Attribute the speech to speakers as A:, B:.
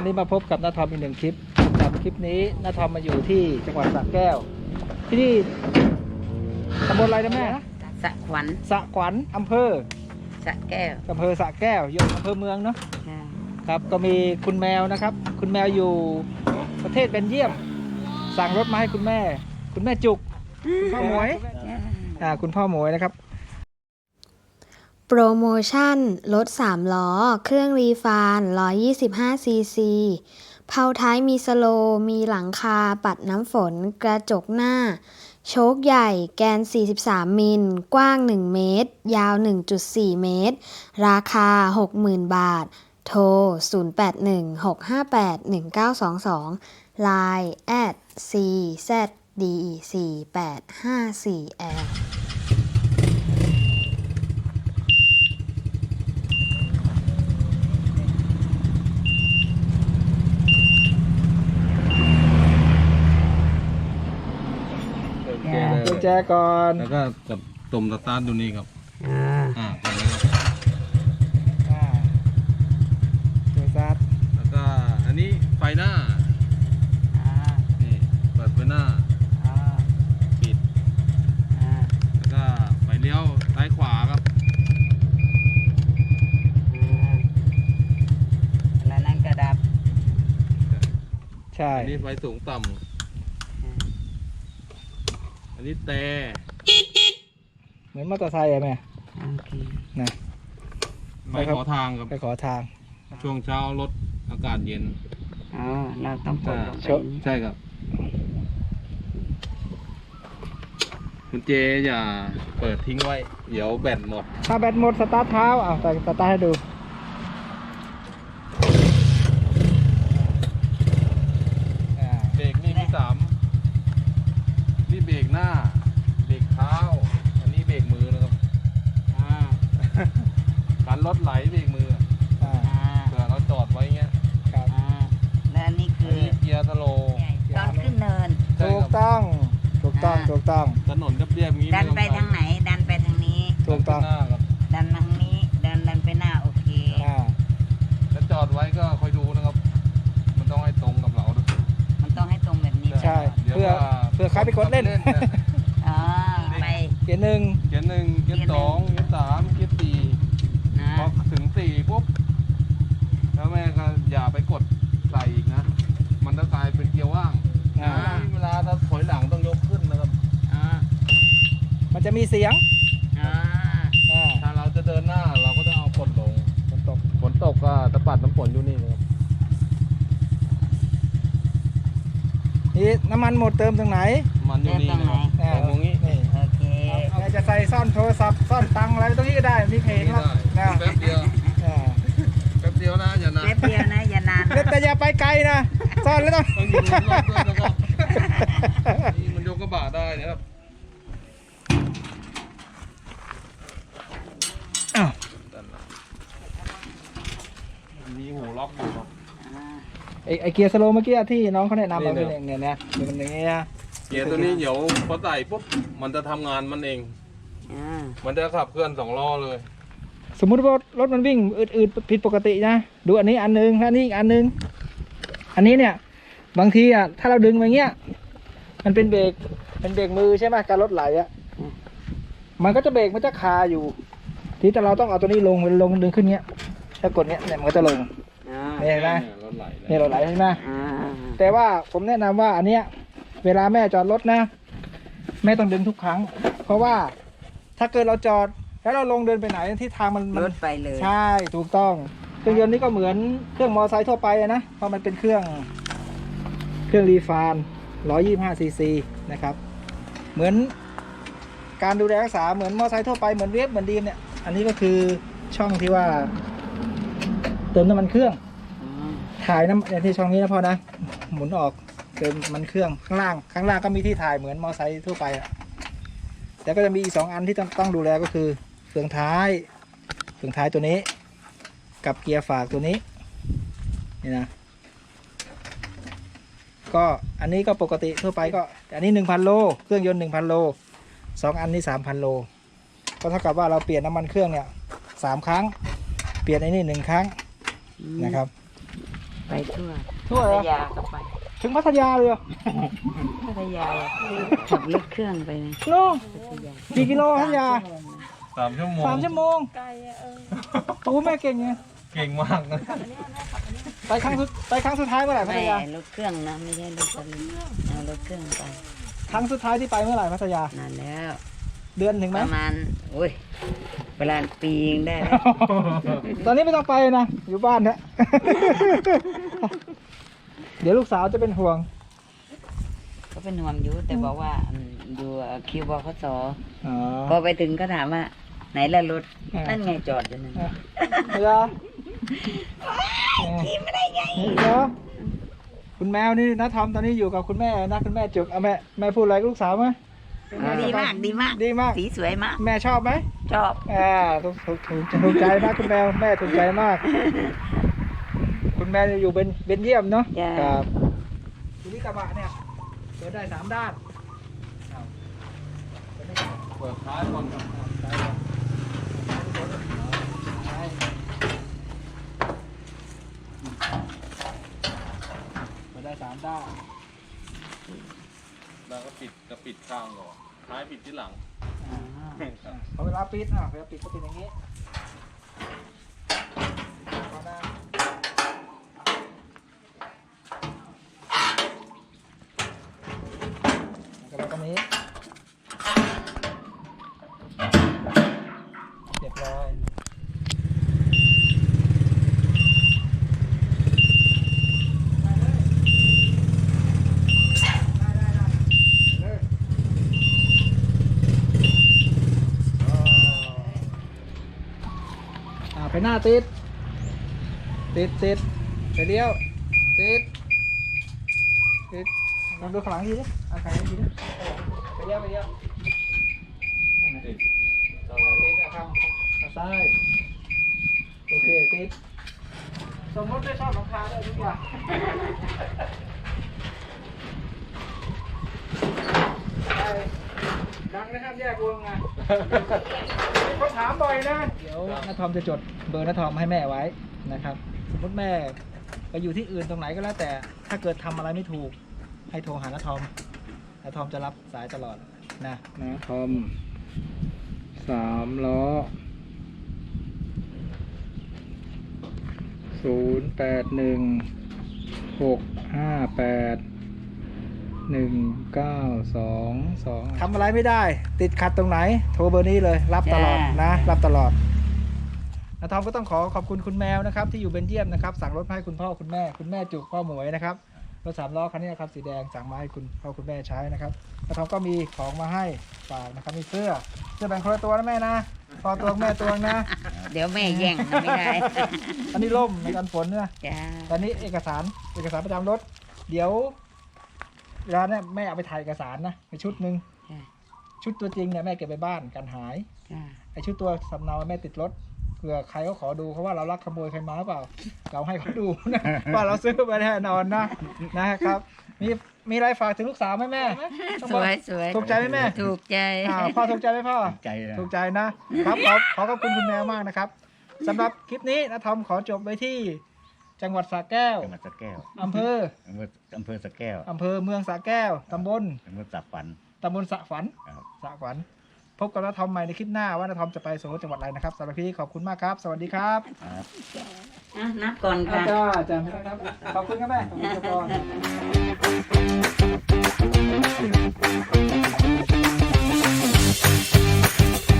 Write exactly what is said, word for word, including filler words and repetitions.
A: วันนี้มาพบกับน้าทอมอีกหนึ่งคลิปกับคลิปนี้น้าทอมมาอยู่ที่จังหวัดสระแก้วที่นี่ตำบลอะไรนะแม่
B: สระขวัญ
A: สระขวัญอำเภอ
B: สระแก้ว
A: อำเภอสระแก้วอยู่อำเภอเมืองเนาะครับก็มีคุณแมวนะครับคุณแมวอยู่ประเทศเบลเยียมสั่งรถมาให้คุณแม่คุณแม่จุกคุณพ่อหมวยอ่าคุณพ่อหมวยนะครับ
C: โปรโมชั่นรถสามล้อเครื่องรีฟานหนึ่งร้อยยี่สิบห้าซีซีเผาท้ายมีสโลมีหลังคาปัดน้ำฝนกระจกหน้าโชคใหญ่แกนสี่สิบสามมิลกว้างหนึ่งเมตรยาว หนึ่งจุดสี่ เมตรราคา หกหมื่น บาทโทรศูนย์ แปด หนึ่ง หก ห้า แปด หนึ่ง เก้า สอง สอง ไลน์ แอท ซี แซด ดี สี่ แปด ห้า สี่ แอล
A: กุญแจก่อน
D: แล้วก็กดตุ่มสตาร์ทดูนี่ครับอ่าอ่าไปแล้วครับ
A: อ่าเดี๋ยวซัด
D: แล้วก็อันนี้ไฟหน้า
A: อ่า
D: นี่เปิดไฟหน้า
A: อ่า
D: ปิด
A: อ่า
D: แล้วก็ไฟเลี้ยวซ้ายขวาครับ
B: แล้วนั่นกระดับ
A: ใช่
D: อันนี้ไฟสูงต่ำอันนี้แต่
A: เหมือนมอเตอร์ไซค์อะแม่นะ
D: ไปขอทางครับ
A: ไปขอทาง
D: ช่วงเช้ารถอากาศเย็น
B: อ๋อเราต้องกดลงไป
D: ใช่ครับคุณเจอย่าเปิดทิ้งไว้เดี๋ยวแบตหมด
A: ถ้าแบตหมดสตาร์ทเท้าเอาแต่สตาร์ทให้ดู
D: เบรกนี่มีสามนี่เบรกหน้าเบรกเท้าอันนี้เบรกมือนะครับการรถไหลเบรกมือเผื่อเราจอดไว้เงี้ย
A: ครับ
B: และอันนี้คือ
D: เกียร์สโลว์
B: ตอนขึ้นเนิน
A: ถูกต้องถูกต้องถูกต้อง
D: ถนนเรียบๆนี้
B: ดันไปทางไหนดันไปทางนี้
A: ถูกต้อง
B: ดันทางนี้ดันดันไปหน้าโอเค
D: แล้วจอดไว้ก็คอยดูนะครับมันต้องให้ตรงกับเราด้วย
B: มันต้องให้ตรงแบบนี้
A: ใช่เพื่อเพื่อใครไปกดเล่น
B: อ๋อไป
A: เกียร์หนึ่ง
D: เกียร์หนึ่งเกียร์สองเกียร์สามเกียร์สี่พอถึงสี่ปุ๊บแล้วแม่ก็อย่าไปกดใส่อีกนะมันจะกลายเป็นเกียร์ว่างเวลาถ้าถอยหลังต้องยกขึ้นนะครับ
A: มันจะมีเสียง
D: ถ้าเราจะเดินหน้าเราก็ต้องเอากดลงฝนตกฝนตกก็ตะปัดน้ำฝนอยู่นี่นะครับ
A: นี่น้ำมันหมดเติมตรงไหน
D: มันอยู่นี่นะครับตรงนี้
B: โอเค
A: เราจะใส่ซ่อนโทรศัพท์ซ่อนตังอะไรตรงนี้ก็ได้มีเพลงครับ
D: แป๊บเดียวแป๊บเดียวนะอย่านาน
B: แป๊บเดียวนะอย่านาน
A: แต่อย่าไปไกลนะซ่อนแล้วต้อง
D: ต้องอยู่รอบด้วยนะครับนี่มันยกกระบะได้นะครับ
A: อ้าว
D: มีหูล็อกอยู่ครับ
A: ไอไอเกียร์สโลว์เมื่อกี้ที่น้องเขาแนะนำมาเป็นอย่างเนี้ยนะเป็นอย่างเงี้ย
D: เกียร์ตัวนี้เดี๋ยวพอใส่ปุ๊บมันจะทำงานมันเองมันจะขับเคลื่อนสองล้อเลย
A: สมมุติว่ารถมันวิ่งอืดๆผิดปกตินะดูอันนี้อันนึงอันนี้อีกอันนึงอันนี้เนี่ยบางทีอ่ะถ้าเราดึงมาเงี้ยมันเป็นเบรกเป็นเบรกมือใช่ไหมการรถไหลอ่ะมันก็จะเบรกมันจะคาอยู่ที่แต่เราต้องเอาตัวนี้ลงลงดึงขึ้นเงี้ยถ้ากดเงี้ยเนี่ยมันก็จะลงนี่เห็นไหมนี่รถไหลใช่ไหมแต่ว่าผมแนะนำว่าอันเนี้ยเวลาแม่จอดรถนะแม่ต้องดึงทุกครั้งเพราะว่าถ้าเกิดเราจอดแล้วเราลงเดินไปไหนที่ทางมัน
B: รถไปเลย
A: ใช่ถูกต้องเครื่องยนต์นี่ก็เหมือนเครื่องมอเตอร์ไซค์ทั่วไปนะเพราะมันเป็นเครื่องเครื่องรีฟานหนึ่งร้อยยี่สิบห้าซีซีนะครับเหมือนการดูแลรักษาเหมือนมอเตอร์ไซค์ทั่วไปเหมือนเวฟเหมือนดีมเนี่ยอันนี้ก็คือช่องที่ว่าเติมน้ำมันเครื่องถ่ายน้ำในที่ช่องนี้นะพ่อนะหมุนออกเติมมันเครื่องข้างล่างข้างล่างก็มีที่ถ่ายเหมือนมอเตอร์ไซค์ทั่วไปอ่ะแต่ก็จะมีอีกสองอันที่ต้องต้องดูแลก็คือเฟืองท้ายเฟืองท้ายตัวนี้กับเกียร์ฝากตัวนี้นี่นะก็อันนี้ก็ปกติทั่วไปก็อันนี้หนึ่งพันโลเครื่องยนต์หนึ่งพันโลสองอันนี้สามพันโลก็เท่ากับว่าเราเปลี่ยนน้ำมันเครื่องเนี่ยสามครั้งเปลี่ยนไอ้นี่หนึ่งครั้งนะครับ
B: ไปทั่ว
A: ทั่วเหรอ
B: พัทยาก็ไป
A: ถึงพัทยาเลยเหรอ
B: พัทยาขับรถเครื่องไปนะ
A: โน่
B: พัทยา
A: กี่กิโลพัทยา
D: สามชั่วโมง
A: สามชั่วโมงไกลอะเออโอ้แม่เก่งไง
D: เก่งมากนะ
A: ไปครั้งสุดไปครั้งสุดท้ายเมื่อไหร่พั
B: ไม่
A: ทยา
B: รถเครื่องนะไม่ใช่รถสลิงเอารถเครื่องไป
A: ครั้งสุดท้ายที่ไปเมื่อไหร่พัทยา
B: นานแล้ว
A: เดือนถึงไห
B: ป
A: ม
B: ระมาณโอ้ยประมาณปีเองได้แล้ว
A: ตอนนี้ไม่ต้องไปนะ อยู่บ้านนะ เดี๋ยวลูกสาวจะเป็นห่วง
B: ก็เป็นห่วงอยู่แต่บอกว่าอืมอยู่คิวบขส
A: อ๋อ
B: พอไปถึงก็ถามว่า ไหนละรถ
A: อ่านั่
B: นั่นไงจอดอยู่นั่น
A: เหรอขี่ไม่ได้ไงเหรอคุณแมวนี่นะทอมตอนนี้อยู่กับคุณแม่นะคุณแม่จุกเอาแม่แม่พูดอะไรกับลูกสาวไหม
B: ดีมากดีมาก
A: ดีมาก
B: สีสวยมาก
A: แม่ชอบไหม
B: ชอบ
A: อ่าถูกถูกถูกถูกใจมากคุณแมวแม่ถูกใจมาก คุณแม่อยู่เป็นเป็นเยี่ยมเนาะ
B: จ้า
A: ครับทีนี้กระบะเนี่ยเปิดได้สามด้านอ้าวเปิดได้สาม
D: เปิดท้ายก่อนครับ
A: ซ้ายก่อนซ้ายเปิดได้สามด้าน
D: แล้วก็ปิดจะปิดข้างก่อนท้ายปิดที่หลัง
A: พอเวลาปิดอ่ะเวลาปิดก็เป็นอย่างนี้พอนะแล้วก็ตรงนี้เรียบร้อยไปหน้าติด ติดติดไปเลี้ยว ติด ติดลองดูข้างหลังทีดิเอาข้างหลังทีดิไปเลี้ยวไปเลี้ยวนั่นน่ะ
D: ติด
A: ติดเอาข้างข้างซ้าย โอเค ติด สมมติไม่ชอบหลังคาเลยดีกว่าดังนะครับแยกวงอ่ะ มีคนถามบ่อยนะ เดี๋ยวน้าทอมจะจดเบอร์น้าทอมให้แม่ไว้นะครับ สมมติแม่ไปอยู่ที่อื่นตรงไหนก็แล้วแต่ ถ้าเกิดทำอะไรไม่ถูก ให้โทรหาน้าทอมน้าทอมจะรับสายตลอดนะน้าทอมสามล้อศูนย์แปดหนึ่งหกห้าแปดหนึ่งเก้าสองสองทำอะไรไม่ได้ ติดขัดตรงไหน โทรเบอร์นี้เลย รับตลอดนะ รับตลอดนะทอมก็ต้องขอขอบคุณคุณแมวนะครับ ที่อยู่เบนเยียมนะครับ สั่งรถมาให้คุณพ่อคุณแม่ คุณแม่จุกพ่อหมวยนะครับรถสามล้อคันนี้นะครับสีแดงสั่งมาให้คุณพ่อคุณแม่ใช้นะครับนะทอมก็มีของมาให้ฝากนะครับมีเสื้อเสื้อแบ่งคนละตัวนะแม่นะพอตัวแม่ตัวนะ
B: เดี๋ยวแม่แย่งนะไม่ได้
A: อันนี้ร่มในกันฝนนะ
B: จ้า
A: ตอนนี้เอกสารเอกสารประจำรถ เดี๋ยวเวลาเนี่ยแม่เอาไปถ่ายเอกสารนะไปชุดหนึ่ง
B: จ้า
A: ชุดตัวจริงเนี่ยแม่เก็บไปบ้านกันหาย
B: จ้า
A: ไอชุดตัวสำเนาแม่ติดรถเผื่อใครเขาขอดูเขาว่าเราลักขโมยใครมาหรือเปล่า เราให้เขาดูนะ ว่าเราซื้อไปแน่นอนนะนะครับ มีมีอะไรฝากถึงลูกสาวไหมแม่ต้อง
B: ส
A: บอก
B: วยสวย
A: ถูกใจไหมแม่
B: ถูกใจ
A: อ่าพ่อถูกใจไหมพ่อ
E: ใจนะ
A: ถูกใจนะครับขอขอขอบคุณคุณแมวมากนะครับสำหรับคลิปนี้นะทอมขอจบไว้ที่จังหวัดสระแก้ว
E: จังหวัดสระแก้ว
A: อำเภอ
E: อำเภออำเภอสระแก้ว
A: อำเภอเมืองสระแก้วตำบล
E: อำเภอสับฝัน
A: ตำบลสระฝัน
E: ครับ
A: สระฝัน พบกับน้าทอมใหม่ในคลิปหน้าว่าน้าทอมจะไปสู่จังหวัดอะไรนะครับสำหรับพี่ขอบคุณมากครับ สวัสดีครับ
E: ครับ
B: อ่ะนับก่อน
A: อา
B: ค่ะ
A: จารย์อาจารย์ครับขอบคุณครับแม่ขอบคุณครับพ่อ